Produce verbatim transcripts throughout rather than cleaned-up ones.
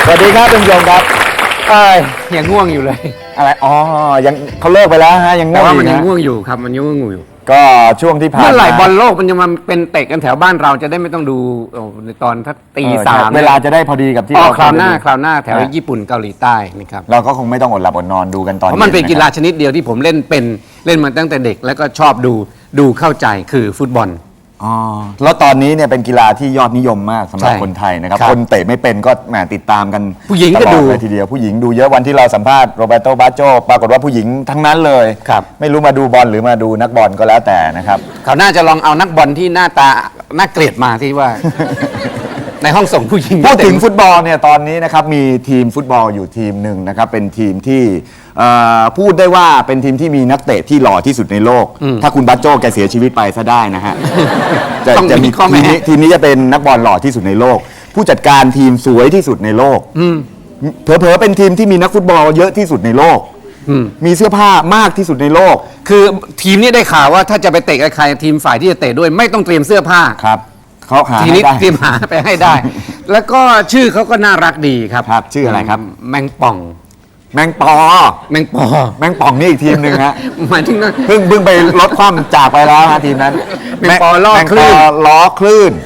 สวัสดีครับท่านผู้ชมครับเอ้ยยังง่วงอยู่เลยอะไรอ๋อยังเขาเลิกไปแล้วฮะยังง่แต่วงว่าอมันยู่ยังนะง่วงอยู่ครับมันยังง่วงอยู่ก็ช่วงที่ผ่านเมื่อไหร่มาบอลโลกมันจะมาเป็นเตะกันแถวบ้านเราจะได้ไม่ต้องดูโอ้ในตอนถ้าตีเออสามเวลาจะได้พอดีกับที่อ๋อเราคราวหน้าดูคราวหน้าแถวญี่ปุ่นเกาหลีใต้นะครับเราก็คงไม่ต้องอดหลับอดนอนดูกันตอนเพราะมันเป็นกีฬาะคชนิดเดียวที่ผมเล่นเป็นเล่นมาตั้งแต่เด็กแล้วก็ชอบดูดูเข้าใจคือฟุตบอลรับอ๋อแล้วตอนนี้เนี่ยเป็นกีฬาที่ยอดนิยมมากสำหรับใช่คนไทยนะครับครับคนเตะไม่เป็นก็แหมติดตามกันผู้หญิงก็ตลอดูเลยทีเดียวผู้หญิงดูเยอะวันที่เราสัมภาษณ์โรเบโตบาโจปรากฏว่าผู้หญิงทั้งนั้นเลยครับไม่รู้มาดูบอลหรือมาดูนักบอลก็แล้วแต่นะครับเขาน่าจะลองเอานักบอลที่หน้าตาน่าเกลียดมาที่ว่า ในห้องส่งผู้หญิงพูดถึงเต็มฟุตบอลเนี่ยตอนนี้นะครับมีทีมฟุตบอลอยู่ทีมหนึ่งนะครับเป็นทีมที่เอ่อพูดได้ว่าเป็นทีมที่มีนักเตะที่หล่อที่สุดในโลก ถ้าคุณบัตโจ้แกเสียชีวิตไปซะได้นะฮะจะต้องจะมีมีข้อแม้ทีมนี้ทีมนี้จะเป็นนักบอลหล่อที่สุดในโลก ผู้จัดการทีมสวยที่สุดในโลกเผลอๆเป็นทีมที่มีนักฟุตบอลเยอะที่สุดในโลกมีเสื้อผ้ามากที่สุดในโลกคือทีมนี้ได้ข่าวว่าถ้าจะไปเตะกับใครทีมฝ่ายที่จะเตะด้วยไม่ต้องเตรียมเสื้อผ้าครับเขาหาทีให้นี้ได้เตรียมหาไปให้ได้ แล้วก็ชื่อเขาก็น่ารักดีครับครับชื่ออะไรครับแมงป่องแมงปอแมงปอแมงป่องนี่อีกทีมหนึ่งฮะหมายถึงนะเพิ่งเพิ่งไปลดความจากไปแล้วฮะทีมนั้นแมงปอล้อคลื่นแมงปอล้อคลื่น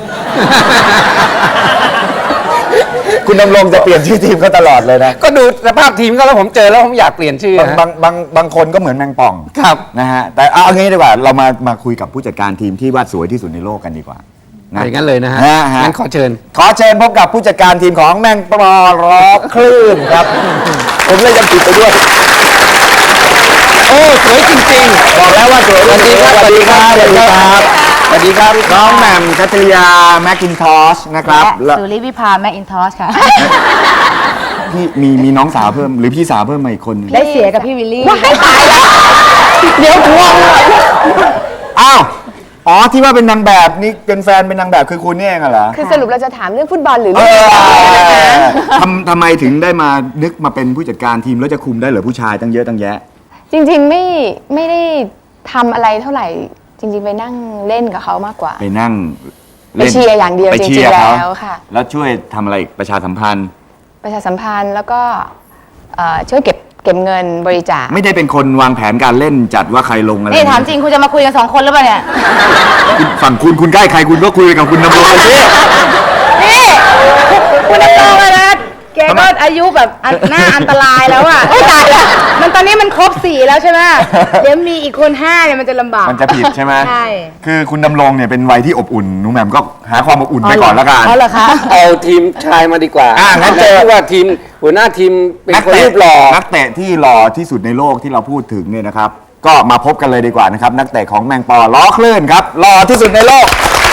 คุณดำรงจะเปลี่ยนชื่อทีมก็ตลอดเลยนะก็ดูสภาพทีมก็แล้วผมเจอแล้วผมอยากเปลี่ยนชื่อบางฮะบางบางบางคนก็เหมือนแมงป่องครับนะฮะแต่เอาเอางี้ดีกว่าเรามามาคุยกับผู้จัดการทีมที่วาดสวยที่สุดในโลกกันดีกว่าอย่างนั้นเลยนะฮะฮะฮะงั้นขอเชิญขอเชิญพบกับผู้จัดการทีมของแมงปอล้อคลื่นครับ ผมเลยยังผิดไปด้วยโอ้สวยจริงๆบอกแล้วว่าสวยสวัสดีครับสวัสดีครับสวัสดีครับสวัสดีครับน้องแหม่มคัตริยาแมคกินทอชนะครับแล้วสุริวิภาแมคอินทอชค่ะพี่มีมีน้องสาวเพิ่มหรือพี่สาวเพิ่มมาอีกคนหนึ่งได้เสียกับพี่วิลลี่เดี๋ยวทวงอ้าวอ๋อที่ว่าเป็นนางแบบนี่เป็นแฟนเป็นนางแบบคือคุณนี่เองเหรอคือสรุปเราจะถามเรื่องฟุตบอลหรือเอเรื่องออะไรนะคะทำทำไมถึงได้มานึกมาเป็นผู้จัดการทีมแล้วจะคุมได้เหรอผู้ชายตั้งเยอะตั้งแยะจริงๆไม่ไม่ได้ทำอะไรเท่าไหร่ จริง ๆ ไปนั่งเล่นกับเขามากกว่าไปนั่งไปเชียร์อย่างเดียวไปจริงๆเชียร์เขาแล้วค่ะแล้วช่วยทำอะไรอีกประชาสัมพันธ์ประชาสัมพันธ์แล้วก็เอ่อช่วยเก็บเก็บเงินบริจาคไม่ได้เป็นคนวางแผนการเล่นจัดว่าใครลงอะไรนี่ถามจริงคุณจะมาคุยกันสองคนหรือเปล่าเนี่ยคุณฝั่งคุณคุณใกล้ใครคุณก็คุยกับคุณดำรงไปสินี่คุณดำรงเลยนะแกก็อายุแบบอันหน้าอันตรายแล้วอ่ะโอ้ยตายแล้วมันตอนนี้มันครบสี่แล้วใช่ไหมเดี๋ยวมีอีกคนห้าเนี่ยมันจะลำบากมันจะผิดใช่ไหมใช่คือคุณดำรงเนี่ยเป็นวัยที่อบอุ่นหนูแหม่มก็หาความอบอุ่นไปก่อนแล้วกันอ๋อเหรอคะเอาทีมชายมาดีกว่าอ่ะงั้นเจอที่ว่าทีมหัวหน้าทีมเป็นคนรูปหล่อนักเตะที่หล่อที่สุดในโลกที่เราพูดถึงเนี่ยนะครับ ก็มาพบกันเลยดีกว่านะครับ นักเตะของแมงปอล้อคลื่นครับหล่อที่สุดในโลก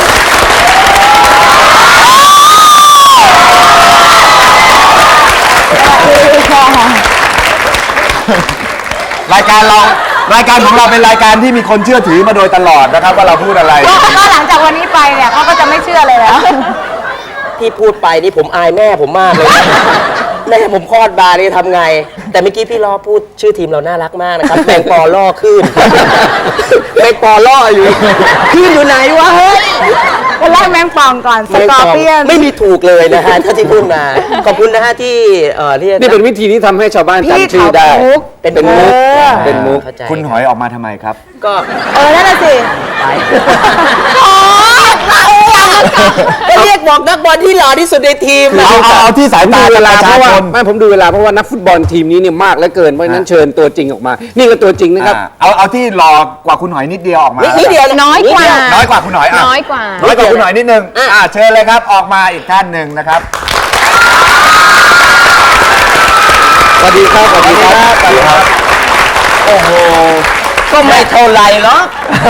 รายการเรารายการของเราเป็นรายการที่มีคนเชื่อถือมาโดยตลอดนะครับ ว่าเราพูดอะไรก็หลังจากวันนี้ไปเนี่ยเขาก็จะไม่เชื่อเลยแล้วที่พูดไปนี่ผมอายแม่ผมมากเลย แม่ผมคลอดบานี่ทำไง แต่เมื่อกี้พี่ล้อพูดชื่อทีมเราน่ารักมากนะครับแมงปอล่อขึ้นแมงปอล่ออยู่ขึ้นอยู่ไหนวะเฮ้ยคนแรกแมงป่องก่อนสแมงกอปร์อเปียนไม่มีถูกเลยนะฮะถ้าที่พูดมาขอบคุณนะฮะที่เอ่อเรียกนี่เป็นวิธีที่ทำให้ชาวบ้านพี่จำชื่อได้เขามุกเป็นเป็นมุกเออเป็นมุกเข้าใจคุณหอยออกมาทำไมครับก็เออนั่นน่ะสิไปก็เรียกบอกนักบอลที่หล่อที่สุดในทีมนะเอาเอาเอาที่สายผมตาดูเวประลาเพชาราะว่าชนไม่ผมดูเวลาเพราะว่านักฟุตบอลทีมนี้เนี่ยมากเหลือเกินเพราะฉะนั้นเชิญตัวจริงออกมา นี่ก็ตัวจริงนะครับอ่าเอาเอาที่หล่อกว่าคุณหอยนิดเดียวออกมานิดเดียวะน้อยกว่าน้อยกว่าคุณหอยอ่ะน้อยกว่าน้อยกว่าคุณหอยนิดนึงอ่าเชิญเลยครับออกมาอีกท่านหนึ่งนะครับสวัสดีครับ สวัสดีครับสวัสดีครับโอ้โหก็ไม่เท่าไหรหรอก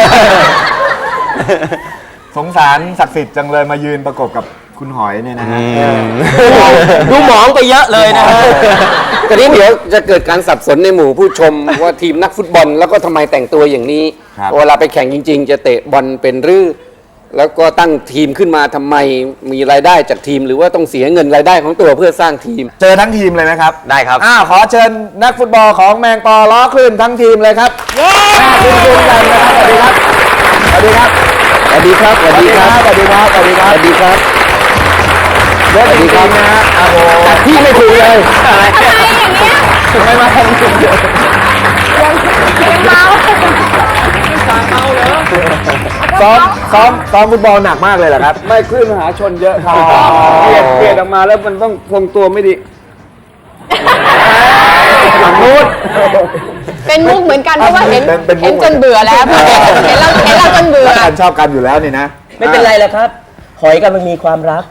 สงสารศักดิ์สิทธิ์จังเลยมายืนประกบกับคุณหอยเนี่ยนะฮะดูหมองไปเยอะเลยนะฮะตอนนี้เดี๋ยวจะเกิดการสับสนในหมู่ผู้ชม ว่าทีมนักฟุตบอลแล้วก็ทำไมแต่งตัวอย่างนี้ครับเวลาไปแข่งจริง ๆ จะเตะบอลเป็นรือแล้วก็ตั้งทีมขึ้นมาทำไมมีรายได้จากทีม หรือว่าต้องเสียเงินรายได้ของตัวเพื่อสร้างทีมเจอทั้งทีมเลยไหมครับได้ครับอ้าวขอเชิญนักฟุตบอลของแมงปอล้อคลื่นทั้งทีมเลยครับเย้คุณคุณกันนะครับสวัสดีครับสวัสดีครับสวัสดีครับ สวัสดีครับสวัสดีครับสวัสดีครับสวัสดีครับสวัสดีครับนะฮะแต่พี่ไม่ถูกเลยไม่มาทำ ซ้อมซ้อมซ้อมฟุตบอลหนักมากเลยเหรอครับไม่คลื่นมหาชนเยอะครับเปลี่ยนเปลี่ยนออกมาแล้วมันต้องทรงตัวไม่ดีหลังนู้นเป็นมุกเหมือนกันเพราะว่าเห็นเป็นเป็นมุกเห็นจนเบื่อแล้วเห็นเราเห็นเราจนเบื่อแล้วกันชอบกันอยู่แล้วนี่นะไม่เป็นไรหรอกครับ หอยกันมันมีความรัก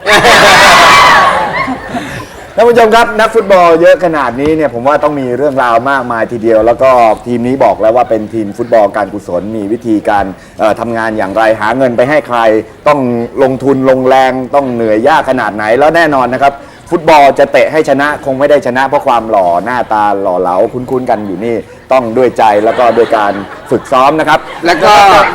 ท่านผู้ชมครับนักฟุตบอลเยอะขนาดนี้เนี่ยผมว่าต้องมีเรื่องราวมากมายทีเดียว แล้วก็ทีมนี้บอกแล้วว่าเป็นทีมฟุตบอลการกุศลมีวิธีการเอ่อทำงานอย่างไรหาเงินไปให้ใคร ต้องลงทุนลงแรงต้องเหนื่อยยากขนาดไหนแล้วแน่นอนนะครับ ฟุตบอลจะเตะให้ชนะคงไม่ได้ชนะเพราะความหล่อหน้าตาหล่อเหลาคุ้นๆกันอยู่นี่ต้องด้วยใจแล้วก็ด้วยการฝึกซ้อมนะครับแล้วก็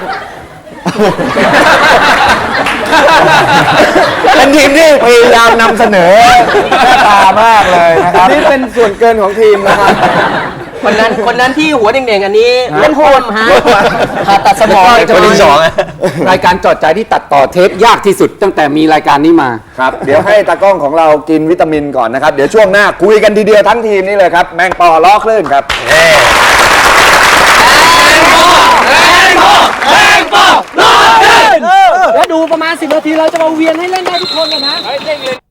เป็นทีมที่พยายามนำเสนอหน้าตามากเลยนะครับนี่เป็นส่วนเกินของทีมนะครับคนนั้นคนนั้นที่หัวเด่งๆอันนี้เล่นโหดฮะผ่าตัดสมองจะมีรายการจอดใจที่ตัดต่อเทปยากที่สุดตั้งแต่มีรายการนี้มาครับ เดี๋ยวให้ตากล้องของเรากินวิตามินก่อนนะครับ เดี๋ยวช่วงหน้าคุยกันทีเดียวทั้งทีมนี่เลยครับ แมงปอล้อคลื่นครับแล้วดูประมาณสิบนาทีเราจะมาเวียนให้เล่นได้ทุกคนเลยนะ